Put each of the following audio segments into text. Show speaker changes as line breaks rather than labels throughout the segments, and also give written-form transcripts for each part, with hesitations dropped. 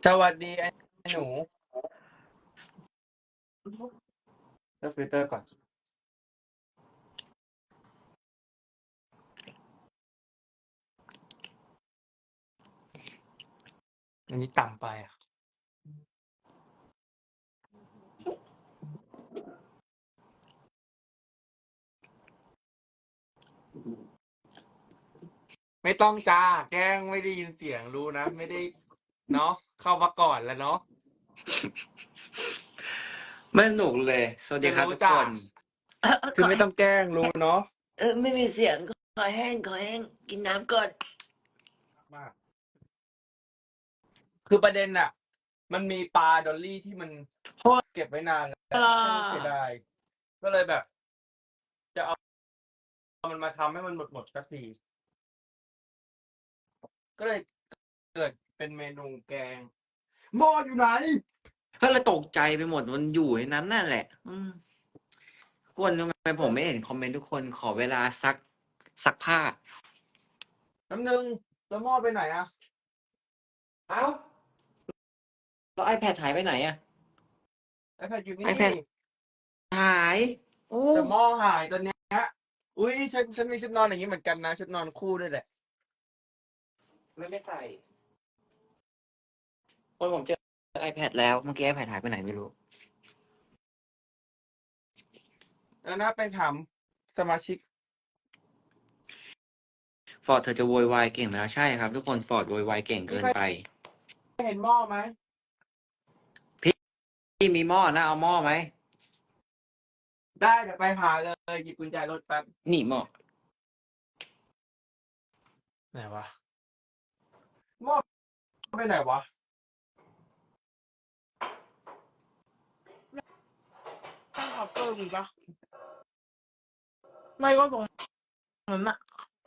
สวัสดีไอ้หนูเลือกฟิลเตอร์ก่อนอันนี้ต่ำไปอ่ะไม่ต้องจ้าแกล้งไม่ได้ยินเสียงรู้นะไม่ได้เนาะเข้ามาก่อนแล้วเนาะ
ไม่สนุกเลย สวัสดีครับ
รู้
ทุก
จ้ะ
คน
คือไม่ต้องแกล้งรู้เนาะ
ไม่มีเสียงขอแห้งกินน้ำก่อน
มากคือประเด็นอ่ะ มันมีปลาดอลลี่ที่มันเก็บไว้นานแล้วฉันเสียดายก็เลยแบบ จะเอามันมาทำให้มันหมดสักทีก็เลยเกิดเป็นเมนูแกงหม้ออยู่ไหน
ก็เลยตกใจไปหมดมันอยู่ในนั้นนั่นแหละคนทำไมผมไม่เห็นคอมเมนต์ทุกคนขอเวลาซักผ้า
น้ำนึงแล้วหม้อไปไหนอ่ะ
เอ้า แล้วiPad หายไปไหนอะ
iPad อยู่นี่
iPad หายโอ้
แต่หม้อหายตอนเนี้ยอุ้ยฉันมีชุดนอนอย่างนี้เหมือนกันนะชุดนอนคู่ด้วยแหละ
ไม่ใส่คนผมเจอ iPad แล้วเมื่อกี้ iPad หายไปไหนไม่รู้
แล้วนะไปถามสมาชิก
ฟอร์ดเธอจะโวยวายเก่งแล้วใช่ครับ ทุกคนฟอร์ดโวยวายเก่งเกินไป
เห็นหม้อไหม
พี่มีหม้อนะเอาหม้อไหม
ได้เดี๋ยวไปหาเลยหยิบกุญแจรถแป๊บ
นี่หม้อ
ไหนวะหม้อไปไหนวะ
ข้างเคาน์เตอร์มีปะไม่ก็ตรงนั้นอะ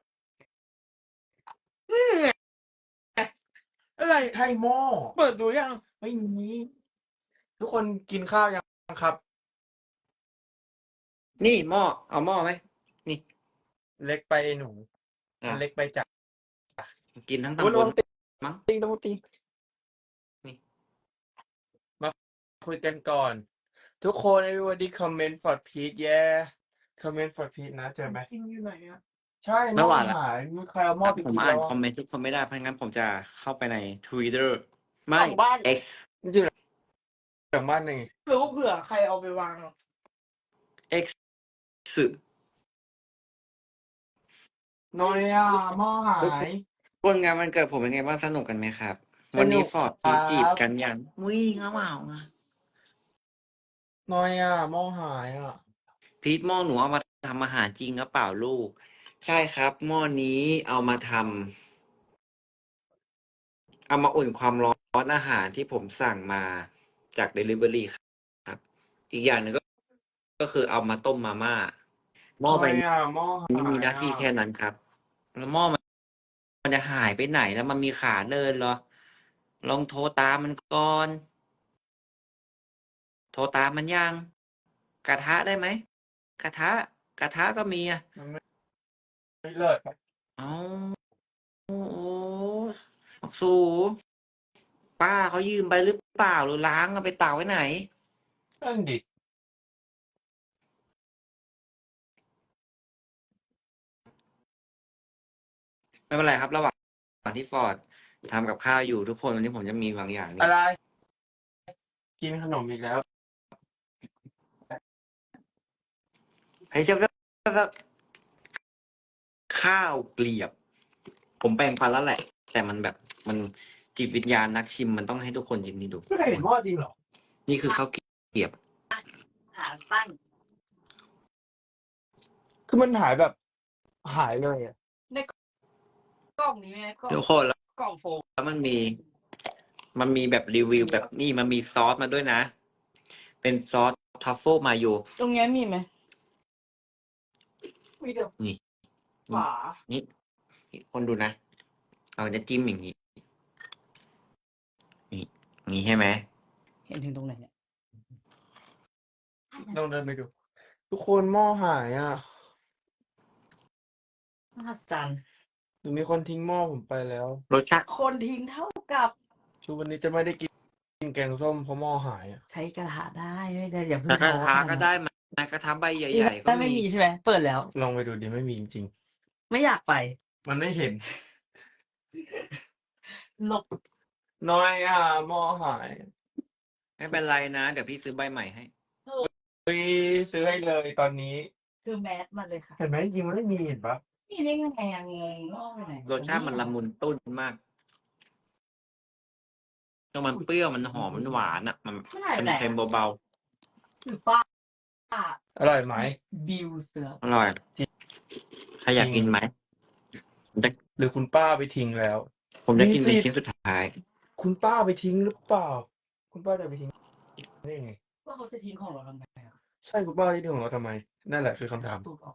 อะไร
ใช่หม้อ
เปิดดูยัง
ไม่มีทุกคนกินข้าวยังครับ
นี่หม้อเอาหม้อไหมนี่
เล็กไปไอ้หนู
อ่ะ
มันเล็กไปจัด
กินทั้ง
อุ๊ย
ตำบ
ระ
ล
วังตี
มั้ง
ต้องตี
นี่
มาคุยกันก่อน ทุกคน everybody comment for Pete yeah comment for Pete นะเจอไหม
จริงอยู่ไหนอะ
ใช่ห
ไม่
ม้อ
หวานละ
หายมีใครเอาหม้อไป
ผม
กิน
อ่า
แล้
น
ว
คอมเมนต์ทุกคนไม่ได้เพราะงั้นผมจะเข้าไปใน Twitter ไม่
หลังบ้าน
X
อยู่หลังบ้านนี่
หรือว่าเผื่อใครเอาไปวาง
X
น้อยอ่ะหม้อหา
ทุก
ย
คนงานวันเกิดผมเป็นไงบ้างสนุกกันไหมครับ
ส
วัน
นุ
นี้
ก
ฟอร์ด
ครับ
จีบกันยังวิ่งเอาเปล่าอ่ะ
น้อยอ่ะหม้อหายอ่ะ
พีทหม้อหนูเอามาทำอาหารจริงหรือเปล่าลูก ใช่ครับหม้อนี้เอามาทำเอามาอุ่นความร้อนอาหารที่ผมสั่งมาจาก Delivery ครับ อีกอย่างหนึ่งก็คือเอามาต้มมาม่าหม้อ
น้
ใบ
อย
นี้
อ่ะหม้อหา
มี
ย
หน้า
อ่ะ
ที่แค่นั้นครับ แล้วหม้อมันจะหายไปไหนแล้วมันมีขาเดินเหรอ ลองโทรตามมันก่อน โทรตามมันยัง กระทะได้ไหม กระทะก็มีอ่ะ
มันไม่เลิศ
เอาโอ้สูป้าเขายืมไปหรือเปล่าหรือล้างเอาไปตากไว้ไหน
นั่นดิ
ไม่เป็นไรครับ ระหว่างที่ฟอร์ดทำกับข้าวอยู่ทุกคนวันนี้ผมจะมีบางอย่างนี่
อะไร กินขนมอีกแล้ว
ให้เชื่อว่าข้าวเกลียบ ผมแปลงฟันแล้วแหละ แต่มันแบบมันจิตวิญญาณนักชิมมันต้องให้ทุกคนชิมนี่ดู
ไม่เคยเห็นหม้อจริงเหรอ
นี่คือข้าวเกลียบ
หาตั้ง
คือมันหายแบบ หายเลยอ่ะ
ในกล่องนี้ไหมกล่อง
ทุกคนแล้ว
กล่องโฟม
มันมีแบบรีวิวแบบนี่มันมีซอสมาด้วยนะ เป็นซอสทัฟเฟิลมาโย
ตรงนี้มีไหม
มีแต่
นี่
ฝา
นี่คนดูนะเราจะจิ้มอย่างนี้นี่อย่างนี้ใช่ไหม
เห็นถึงตรงไหนเนี่ย
ลองเดินไปดู ทุกคนหม้อหายอ่ะ
มหัศจรรย์
หรือมีคนทิ้งหม้อผมไปแล้ว
รสชาติ
คนทิ้งเท่ากับ
ชูวันนี้จะไม่ได้กินกินแกงส้มเพราะหม้อหายอะ
ใช้กระทะได้ไม่ได้อย่าเพิ่
แต่
ง
กระ
ท้อ
ทะ
ขนาด
ก็
นั้น
ได้มากระทะใบใ
นี่
หญ่ๆก็
ถ้าไม่
มี
มีใช่ไหมเปิดแล้ว
ลองไปดูดิไม่มีจริง
ไม่อยากไป
ๆ มันไม่เห็น
หลบ
น้อยอ่ะหม้อหาย
ไม่เป็นไรนะ เดี๋ยวพี่ซื้อใบใหม่ให้
เฮ้ยซื้อให้เลยตอนนี้
คือแมสมันเลยค่ะ
เห็นไหมจริงๆมันไม่มีเห็นปะ
มีได้ไงอะงงงอกไปไหน
รสชาติมันละมุนตุ้นมากแล้วมันเปรี้ยวมันหอมมันหวานอ่ะ มัน
ไม่ได้ไปไหน
เค็มๆเบา
หรือป้า
อร่อยไหม
บิวเสือ
ๆอร่อยใครอยากกินไหมผมจะ
หรือคุณป้าไปทิ้งแล้ว
ผมจะกิน
มี
เป็น
สิทธิ์
ชิ้นสุดท้าย
คุณป้าไปทิ้งหรือเปล่า คุณป้าจะไปทิ้งได้ยังไง
ว่าเขาจะทิ้งของเราทำไมอะ
ใช่คุณป้าที่ทิ้งของเราทำไม นั่นแหละคือคำถาม
ตูดออก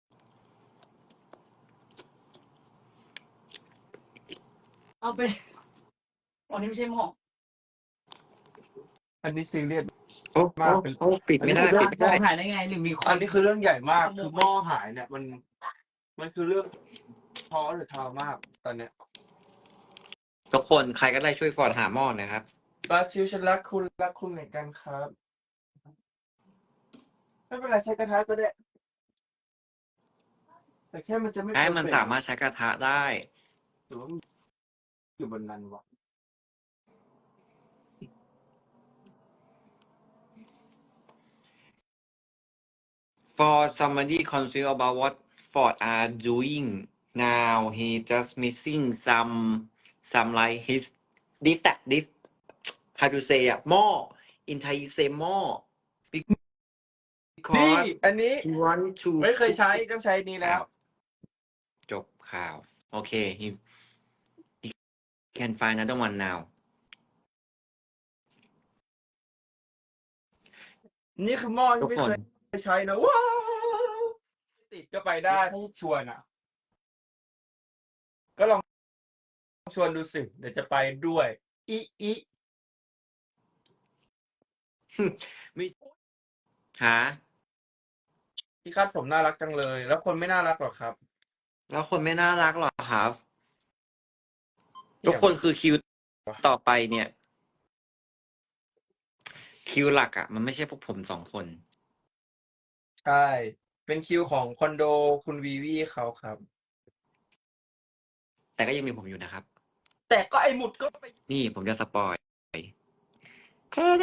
เอาไปอ๋อนี่ไม่ใช่หม้อ
อันนี้ซีเรียส
โอ้
มากเป็น
โอ้ปิดไม่ได้
อันนี้
ปิดไม่ได้
หายได้ไงหรือมีคน
อันนี้คือเรื่องใหญ่มาก
ขโมย
คือหม้อหายเนี่ย มันคือเรื่องท้อหรือทามากตอนเนี้ย
ทุกคนใครก็ได้ช่วยฟอร์ดหาหม้อหนะครับ
บราซิลฉันรักคุณเหมือนกันครับ ไม่เป็นไรใช้กระทะก็ได้ แต่แค่มันจะไม่
ให้มัน
perfect
สามารถใช้กระทะได้
หรือว่ามันอยู่บนนั้นวะ
For somebody concerned about what Ford are doing now, he just missing some like his this how to say อ่ะหม้อ in Thai say หม้อ
นี่
because
อันนี้
he want to
ไม่เคยใช้ต้องใช้นี้แล้ว
จบข่าว โอเค he can find another one now
นี่คือหม้อ
ทุ
ที่
ก
ไม่
คน
เคยใช้นะว้าวติดก็ไปได้ถ้าชวนอ่ะ ก็ลองชวนดูสิเดี๋ยวจะไปด้วยอี
ไม่หา
ที่คาดผมน่ารักจังเลย แล้วคนไม่น่ารักหรอครับ
แล้วคนไม่น่ารักหรอครับ ทุกคนคือคิวต่อไปเนี่ย คิวหลักอ่ะ มันไม่ใช่พวกผมสองคน
ใช่ เป็นคิวของคอนโดคุณวีวีเขาครับ
แต่ก็ยังมีผมอยู่นะครับ
แต่ก็ไอหมุดก็ไป
นี่ผมจะสปอยเทเด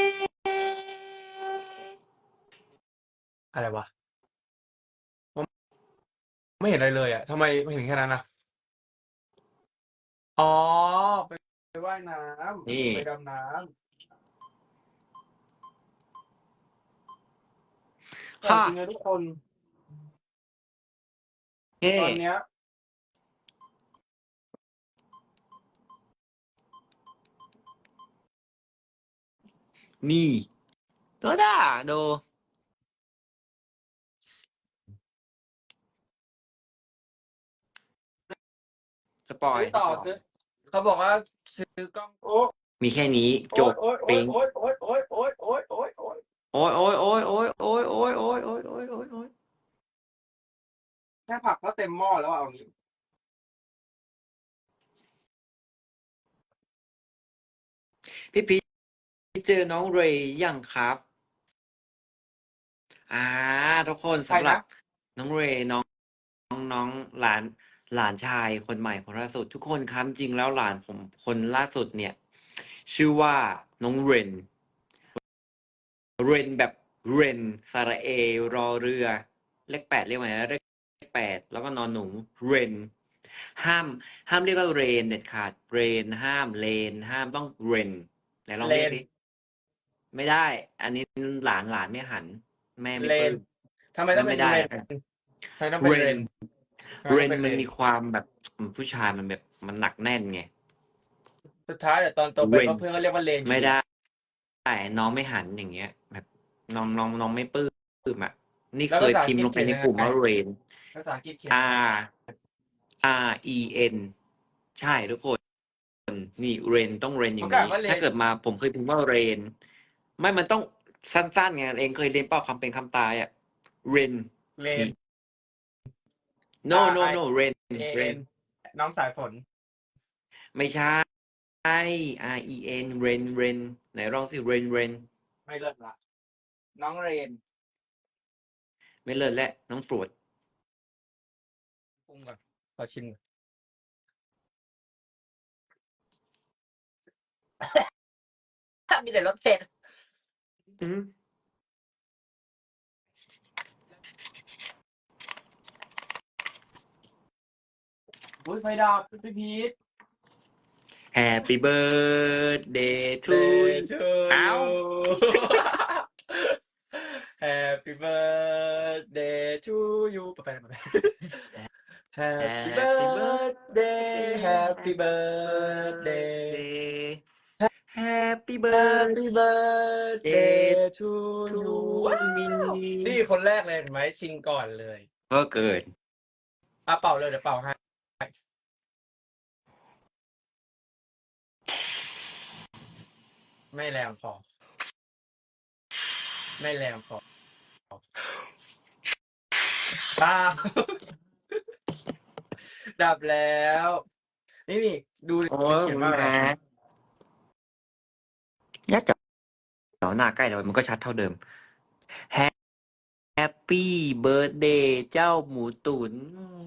อะไรวะผมไม่เห็นอะไรเลยอ่ะทำไมไม่เห็นแค่นั้นอ่ะ อ๋อ ไปว่ายน้ำ
นี่
ไปดำน้ำแต่
ค่ะ
จริงๆนะทุกคน
เฮ้
ตอนเนี้ย
นี่โดด้าโด สปอย
ซื้อต่อซื้อ เขาบอกว่าซื้อกล้องโอ้
มีแค่นี้ จบ
โอ๊ย
เป้ง
โอ๊ยโอ๊ยโอ๊ยโอ๊ยโอ๊ยโอ๊ยโอ๊ย
โอ้ยโอ้ยโอ้ยโอ้ยโอ้ยโอ้ยโอ้ยโอ้ยโอ้ยโอ้ยโอ้ย
แค่ผักก็เต็มหม้อแล้วอะเอางี้
พี่พีชเจอน้องเรย์ยังครับ ทุกคน
ใคร
สำหรั
นะ
บน้องเรย์น้องหลานชายคนใหม่คนล่าสุด ทุกคนครับจริงแล้วหลานผมคนล่าสุดเนี่ย ชื่อว่าน้องเรนแบบเรนสระเอรอเรือ เลข 8เรียกว่าไงนะเลข 8แล้วก็นอนหนูเรนห้ามเรียกว่าเรนเด็ดขาดเรนห้ามเลนห้ามต้องเรนไหนลองเรียกสิไม่ได้ อันนี้หลานไม่หัน แม่ไม่
เล
ปลื้
น
ม
ทำไมต้องเป็น
ไม่ได้
เรนทำไมต้องเป็นเรน
เรนมันมีความแบบผู้ชายมันแบบมันหนักแน่นไง
สุดท้ายเดี๋ยวตอนโตไป
เรน
ก็เพื่อนก็เรียกว่าเลนอยู่
ไม่ได้น้องไม่หันอย่างเงี้ย แบบน้องไม่ปลื้มอ่ะ นี่เคยพิมพ์ลงไปในกลุ่มว่าเรน
ภาษาอังกฤษเขียน
REN ใช่ทุกคน นี่เรนต้องเรนอย่างนี้ ถ้าเกิดมาผมเคยพิมพ์ว่าเรน ไม่มันต้องสั้นๆไงเองเคยเรียนเป้าคำเป็นคำตายอ่ะเรน
เลน
no ren
เอ็นน้องสายฝน
ไม่ใช่ REN เรนเรนไหนลองสิเรนเรน
ไม่เลิศละน้องเรน
ไม่เลิศและน้องตรวจ
ปรุงก่อนขอชิมมีแต่รสเผ็ด
อืม
อุ้ยไฟดับพี่พีท
Happy birthday to
Day
you
to
เอ้า
you Happy birthday to you ไป Happy
Happy
birthday Happy birthday
birthday Happy
Happy birthday to
to
you ว้าว
me
นี่คนแรกเลยเห็นไหมชิงก่อนเลย
ก็เกิด
เป่าเลยเดี๋ยวเป่าให้ไม่แรงพอไม่แรงพอป้า ดับแล้ว นี่ดูดิ
โอ้
มันเขียนว่าอะไร
ยัดจ่อหน้าใกล้เรามันก็ชัดเท่าเดิม Happy birthday เจ้าหมูตุ๋น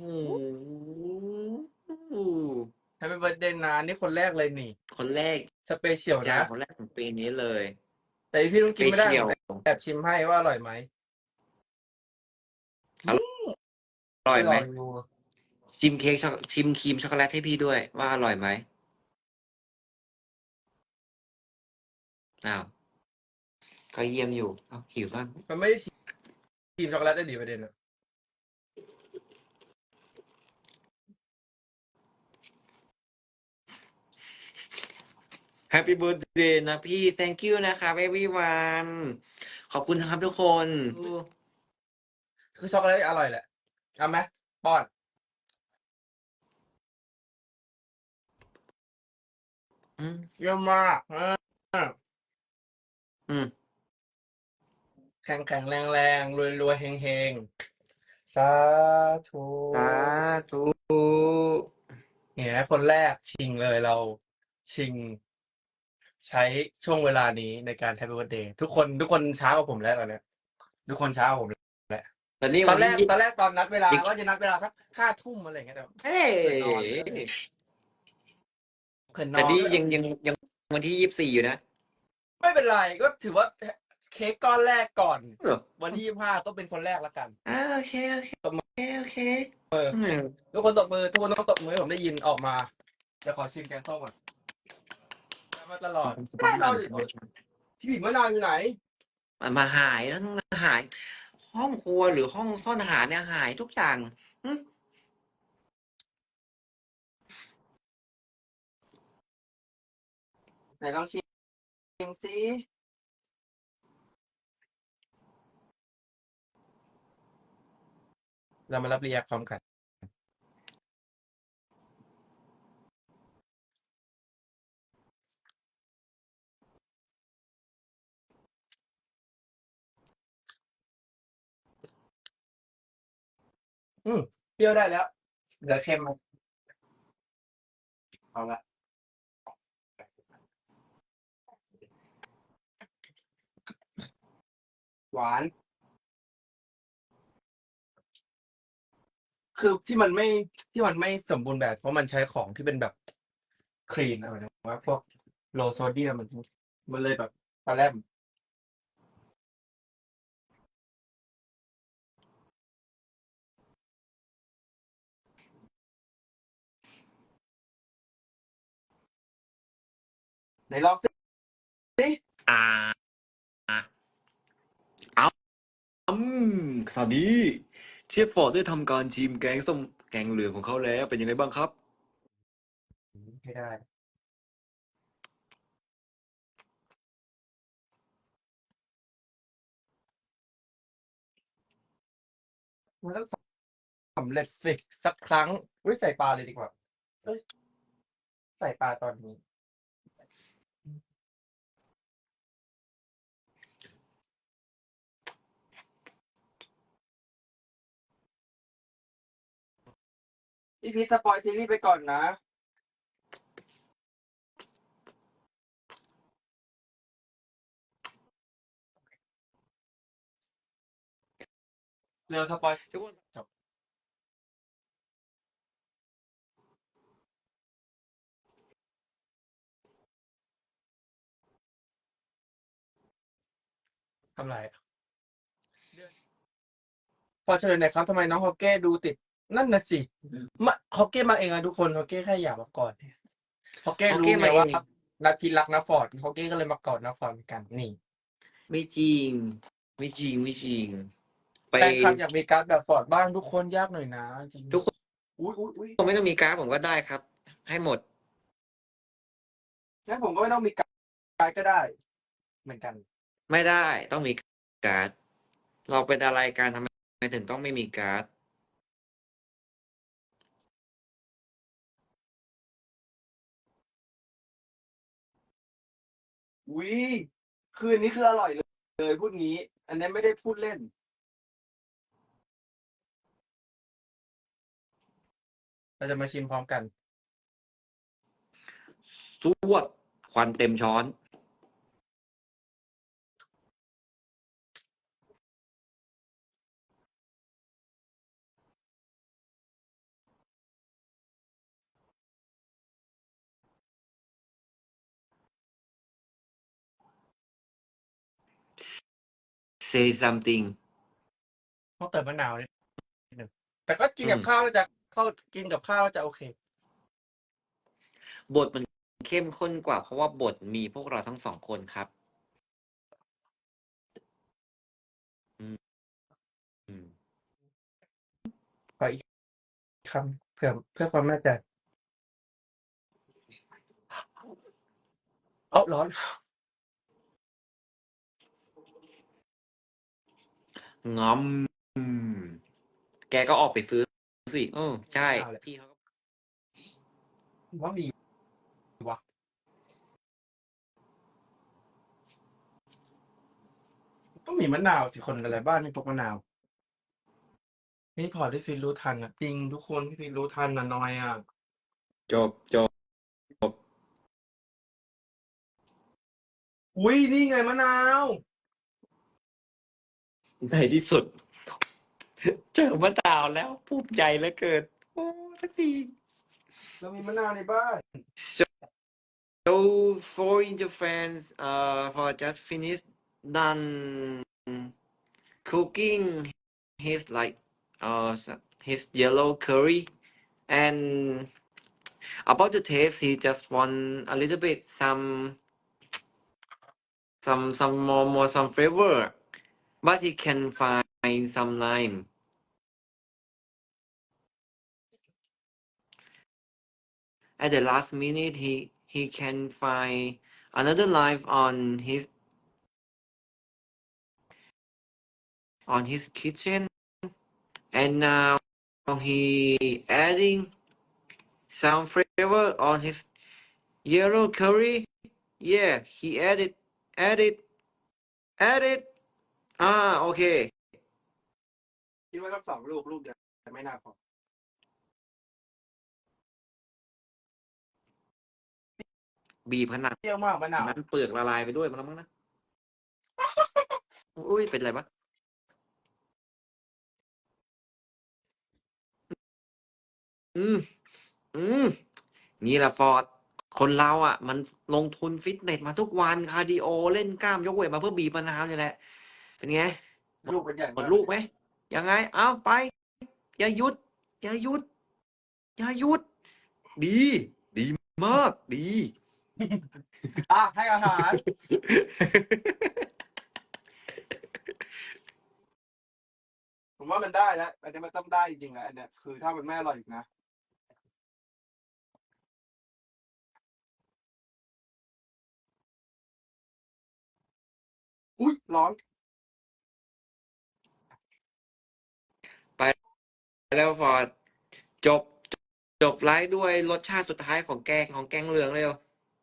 Happy birthday นะนี่คนแรกเลยนี่
คนแรก
สเปเชียล
จ้า
นะ
คนแรกของปีนี้เลย
แต่พี่ต้องกินไม่ได้
สเปเชียล
แอบชิมให้ว่าอร่อยไหม
อร่อยไหม
ดู
ชิมเค้กชิมครีมช็อกโกแลตให้พี่ด้วยว่าอร่อยไหมอ้าวก็เยี่ยมอยู่อ้าวหิวบ้าง
มันไม่ได้กินช็อกโกแลตได้ดีประเด็นอะ
Happy birthday นะพี่ thank you นะครับ everyone ขอบคุณนะครับทุกคน
คือช็อกโกแลตอร่อยแหละเอาไหมป้อน
อืม
เยี่ยมมาก
อืม
แข็งแข็งแรงแรงรวยรวยเฮงเฮงสาธุ
สาธุ
เนี่ยคนแรกชิงเลยเราชิง ใช้ช่วงเวลานี้ในการ Happy Birthday ทุกคนช้ากว่าผมแล้วตอนเนี้ยทุกคนช้ากว่าผมแล้ว
ตอนนี้
ต
วั
อน นแร
ที่
กตอนนัดเวลาว่าจะนัดเวลาสัก5 ทุ่มอะไรอย่างเงี้ยแต่
เฮ้ย
นอนเขินน
แต่
อน
นี่
ด้วย
ยังวันที่24อยู่นะ
ไม่เป็นไรก็ถือว่าเค้กก้อนแรกก่อน
เหรอ
วันที่25ก็เป็นคนแรกละกัน
โอเคโอเคโอเค
ทุกคนตบมือทุกคนต้องตบมือให้ผมได้ยินออกมาจะขอชิมแกงส้มก่อนมาตลอดเราดิพี่ผิดมะนาวอยู่ไหน
มันมาหายทั้งหาย ห้องครัวหรือห้องซ่อนอาหารเนี่ยหายทุกอย่างหึ
ไหนลองชิมซิเรามารับรีแอคพร้อมกันเปรี้ยวได้แล้วเหลือเค็มเอาละหวาน คือที่มันไม่สมบูรณ์แบบเพราะมันใช้ของที่เป็นแบบคลีนอะไรนะว่าพวกโลโซเดียมมันเลยแบบปลาแรมไหนลองสิ
อ่าเอาสวัสดีเชฟฟอร์ดได้ทำการชิมแกงส้มแกงเหลืองของเขาแล้วเป็นยังไงบ้างครับ
ไม่ได้มันต้องสำเร็จสิสักครั้งใส่ปลาเลยดีกว่าเอ้ยใส่ปลาตอนนี้พี่พีชสปอยซีรีส์ไปก่อนนะเร็วสปอย
ทุกคน
จบทำไรพอเฉลยหน่อยครับทำไมน้องฮอกเก้ดูติด นั่นน่ะสิมาฮอกเก้มาเองอะทุกคนฮอกเก้แค่อยากมากอดฮอกเก้
ฮอก
รู้
เก้
ไง
มาเอ
ว่าง นาทีรักนะฟอร์ดฮอกเก้ก็เลยมากอดนะฟอร์ดเหมือนกันนี่
ไม่จริง ไม่จริง ไม่จริง ไป
แฟนคลับอยากมีการ์ดแบบฟอร์ดบ้างทุกคนยากหน่อยนะจริง
ทุกคน
อุ้ย
ไม่ต้องมีการ์ดผมก็ได้ครับ ให้หมด
งั้นผมก็ไม่ต้องมีการ์ดก็ได้ เหมือนกัน
ไม่ได้ต้องมีการ์ด เราเป็นอะไรกันทำไมถึงต้องไม่มีการ์ด
อุ้ยคืนนี้คืออร่อยเลยพูดงี้ อันนี้ไม่ได้พูดเล่น เราจะมาชิมพร้อมกัน
สวดควันเต็มช้อน say something
ต้องเติมมะนาวนิดนึงแต่ก็กินกับ
อืม
ข้าวแล้วจะกินกับข้าวแล้วจะโอเค
บทมันเข้มข้นกว่า เพราะว่าบทมีพวกเราทั้งสองคนครับ อืม อืม
ขออีกคำเพื่อความแน่ใจร้อน
งอมอืมแกก็ออกไปซื้อสิใช่
เอาเลย
พี่เขาก็
ว่ามีวะต้องมีมะนาวสิคนอะไรบ้านไม่พกมะนาว นี่พอที่ฟินรู้ทันอ่ะ จริงทุกคนที่ฟินรู้ทันนะน้อยอ่ะ
จบ
อุ้ยนี่ไงมะนาว
ในที่สุด เจอมะนาวแล้วภูมิใจเหลือเกิน โอ้สักที
เรามีมะนาวในบ้าน
So for Inter fans, for just finished done cooking his his yellow curry, and about to taste, he just want a little bit some flavor, but he can find some lime. At the last minute, he can find another lime on his kitchen, and now he adding some flavor on his yellow curry. Yeah, he added. Okay.
คิดว่าต้อง2 ลูกเดียวแต่ไม่น่าพอ
บีบขนาด
เปรี้ยวมากมะนาว
นั้นเปลือกละลายไปด้วยมันแล้วมั้งนะ อุ้ยเป็นไรปะอืม นี่แหละฟอร์ด คนเราอ่ะ มันลงทุนฟิตเนสมาทุกวันคาร์ดิโอเล่นกล้ามยกเวทมาเพื่อบีบมะนาวนี่แหละ เป็นไง
ลูกเป็นใหญ่
หม
มา
ด
ก
ลูกไหม ยังไง เอาไป อย่าหยุด อย่าหยุด อย่าหยุด ดี ดีมาก ดี
อ่ะให้อาหาร ผมว่ามันได้แล้วอันนี้มันต้องได้จริงๆแล้วอันเนี้ยคือถ้ามันไม่อร่อยอีกนะ อุ้ยร้อน
ไปแล้วฟอร์ด จบ จบไลฟ์ด้วยรสชาติสุดท้ายของแกงเหลืองเร็ว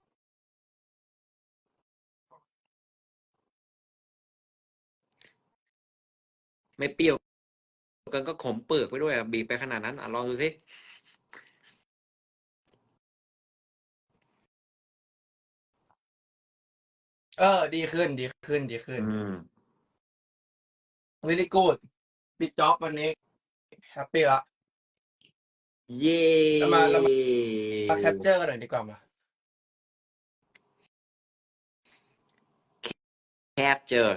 ไม่เปรี้ยวเกินก็ขมเปลือกไปด้วยบีบไปขนาดนั้นลองดูสิ
ดีขึ้น
อืม
very good ปิดจ็อบวันนี้แฮปปี้ละ
เย้
เรามาแคปเจอร์กันหน่อยดีกว่ามา
แคปเจอร์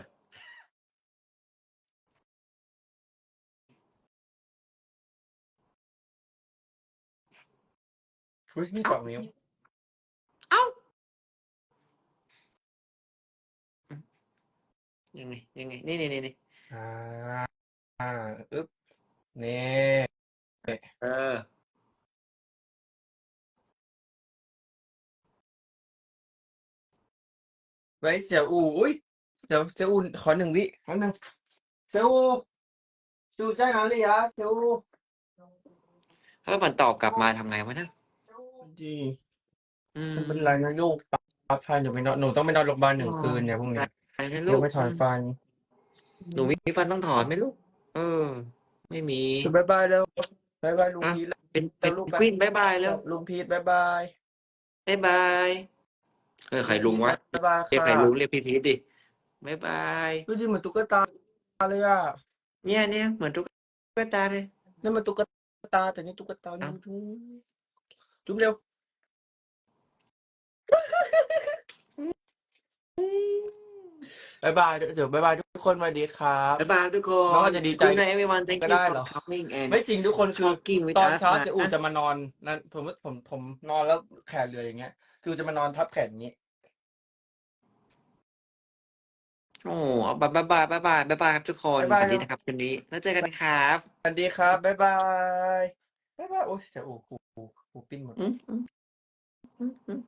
อุ้ยนี่สองนิ้ว
เอ้ายังไงนี่
อ่าอึ๊บนี่
เออ
ไว้เสี่ยวอูอุ้ยเดี๋ยวเสี่ยวอูขอ1 วิแป๊บนึงเสี่ยวอูจูใจ哪里啊เสี่ยวอู
ถ้ามันตอบกลับมาทำไงวะนะ
ดี
อืม
ไม่เป็นไรนะลูกปั๊บฟันอยู่ไปนอนหนูต้องไปนอนโรงพยาบาล1 คืนเนี่ยพรุ่งนี้
ไปนะ
เดี๋
ลู
ยว
ก
ไปถอนฟัน
หนูมีฟันต้องถอนไหมลูก เออ ไม่มี
บายบายแล้วบายบายลุง
อ่ะ
พีท
เป็น
แล้วลูก
กวินบายบายแล้ว
ลุงพีทบายบาย
บายบายใครลุงวะ
บายบาย
เรียกใคร
ค่ะ
ลุงเรียกพี่พีทดิบายบาย
ดูดิเหมือนตุ๊กตาเลยอ่ะ
เนี่ยเหมือนตุ๊กตาเลย
นี่มันตุ๊กตาแต่นี่ตุ๊กตานี่จุ๊บเร็วบายบายเดี๋ยวบายบายทุกคนสวัสดีครับ
บายบายทุกคน
น้องอาจจะดีใจ
Good night everyone thank
ก็
you
ได้
for
เหรอ
coming and
ไม่จริงทุกคนคือ
talking with
ตอน
us
เช้า
มา
เจอูจะมานอนนั่นผมนอนแล้วแขนเรืออย่างเงี้ย คือจะมานอนทับแขนอย่างงี้
โอ้บายบายครับทุกคน
บ๊ายบาย
สวัสดีนะครับคืนนี้แล้วเจอกันครับ
สวัสดีครับบ๊ายบายบ๊ายบายโอ้ยเจอูหูปิ้นหมด
อืม